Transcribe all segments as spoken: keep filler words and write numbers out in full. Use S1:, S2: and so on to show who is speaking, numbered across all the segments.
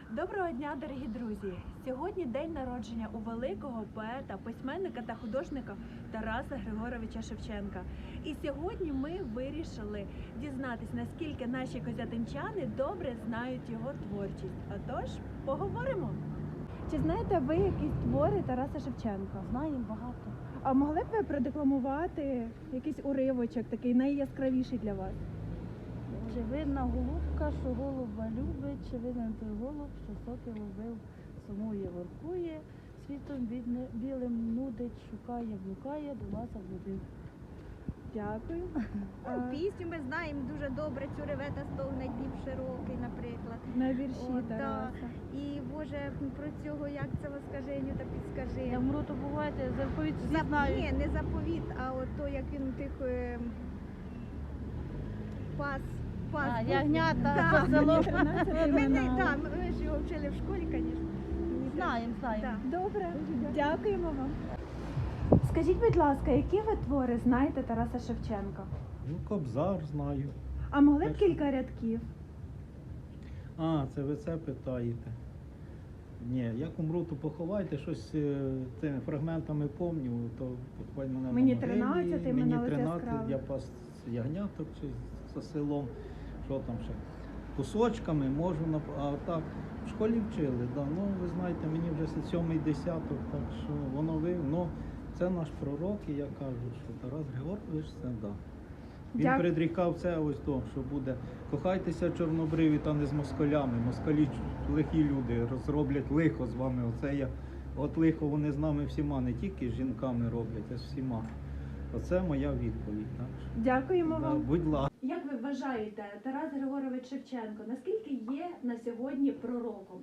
S1: Доброго дня, дорогі друзі! Сьогодні день народження у великого поета, письменника та художника Тараса Григоровича Шевченка. І сьогодні ми вирішили дізнатись, наскільки наші козятинчани добре знають його творчість. Отож, поговоримо! Чи знаєте ви якісь твори Тараса Шевченка?
S2: Знаємо багато.
S1: А могли б ви продекламувати якийсь уривочок, такий найяскравіший для вас?
S2: Чи винна голубка, що голуба любить, чи винен той голуб, що соки ловив, сумує, воркує, світом бідне, білим нудить, шукає, блукає, до вас облюбив.
S1: Дякую.
S3: Ну, пісню ми знаємо дуже добре, цю ревета стогне Дніп широкий, наприклад.
S1: На вірші
S3: О, да.
S1: Тараса.
S3: І, Боже, про цього, як це воскаженню та підскажи.
S2: Я вмру, то бувайте, заповідь всі
S3: За...
S2: знають.
S3: Ні, не заповіт, а от то, як він тих е... пас, пас.
S2: А,
S3: був.
S2: ягнята,
S3: Да.
S2: по селу.
S1: тринадцять
S3: Ми, не,
S1: імена.
S3: да, ми ж його вчили в школі, звісно.
S2: Знаємо, знаємо.
S3: Да.
S1: Добре, дякуємо вам. Скажіть, будь ласка, які ви твори знаєте Тараса Шевченка?
S4: Ну, Кобзар знаю.
S1: А могли б
S4: Перше.
S1: кілька рядків?
S4: А, це ви це питаєте. Ні, як умру, то поховайте, щось е, цими фрагментами помню, то поховай мене
S1: Мені
S4: на могилі.
S1: тринадцять,
S4: мені
S1: імена ось
S4: тринадцять,
S1: яскраві.
S4: я пас ягняток чи за селом, що там ще. Кусочками можу, нап- а так, в школі вчили, да. Ну, ви знаєте, мені вже це сьомий десяток, так що воно ви, ну, це наш пророк, і я кажу, що Тарас Григорович це да. Він
S1: Дяк-
S4: предрікав це ось то, що буде. Кохайтеся чорнобриві та не з москалями. Москалі лихі люди розроблять лихо з вами. Оце я, от лихо вони з нами всіма, не тільки з жінками роблять, а з всіма. Оце моя відповідь. Так що,
S1: Дякуємо
S4: да,
S1: вам.
S4: будь ласка.
S1: Як ви вважаєте, Тарас Григорович Шевченко, наскільки є на сьогодні пророком?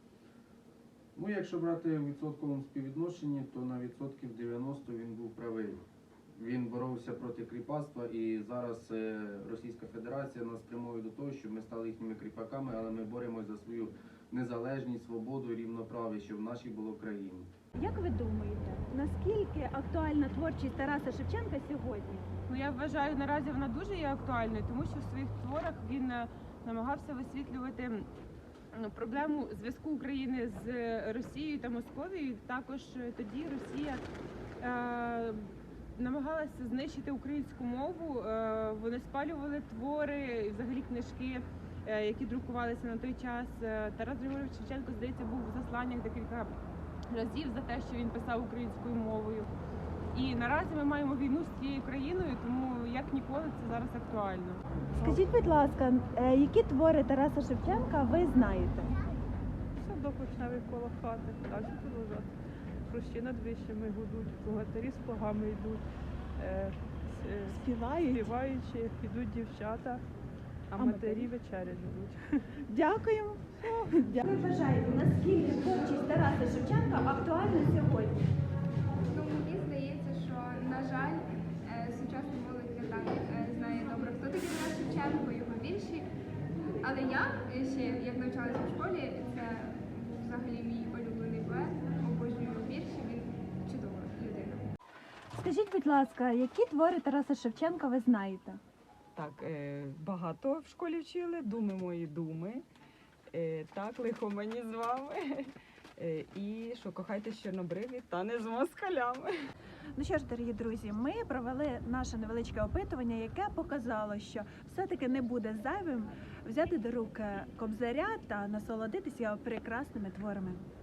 S5: Ну, якщо брати в відсотковому співвідношенні, то на відсотків дев'яносто він був правий. Він боровся проти кріпацтва, і зараз е, Російська Федерація нас прямує до того, щоб ми стали їхніми кріпаками, але ми боремось за свою незалежність, свободу і рівноправ'я, щоб в нашій було країні.
S1: Як ви думаєте, наскільки актуальна творчість Тараса Шевченка сьогодні?
S6: Ну, я вважаю, наразі вона дуже є актуальною, тому що в своїх творах він е, намагався висвітлювати ну, проблему зв'язку України з Росією та Московією. Також е, тоді Росія е, намагалася знищити українську мову. Е, вони спалювали твори, і взагалі книжки, е, які друкувалися на той час. Е, Тарас Григорович Шевченко, здається, був в засланнях декілька разів за те, що він писав українською мовою. І наразі ми маємо війну з цією країною, тому як ніколи це зараз актуально.
S1: Скажіть, будь ласка, е, які твори Тараса Шевченка ви знаєте?
S7: Садок вишневий коло хати, далі продовжати. Хрущі над вищими гудуть, богатирі з плугами йдуть, е, с- е,
S1: Співають?
S7: співаючи, йдуть дівчата, а
S1: А
S7: матері
S1: матері?
S7: вечерять ждуть.
S1: Дякуємо. Як ви вважаєте, наскільки творчість Тараса Шевченка актуальна сьогодні?
S8: Ну, мені здається, що, на жаль, е, сучасна молодь не так е, знає добре, хто такий Тарас Шевченко, його вірші. Але я е, ще, як навчалася в школі, це був взагалі мій улюблений поет, обожнюю його вірші, він чудова людина.
S1: Скажіть, будь ласка, які твори Тараса Шевченка ви знаєте?
S9: Так, е, багато в школі вчили, думи мої думи. Е, так, лихо мені з вами. Е, і що кохайтесь чорнобриві та не з москалями.
S1: Ну що ж, дорогі друзі, ми провели наше невеличке опитування, яке показало, що все-таки не буде зайвим взяти до рук Кобзаря та насолодитися його прекрасними творами.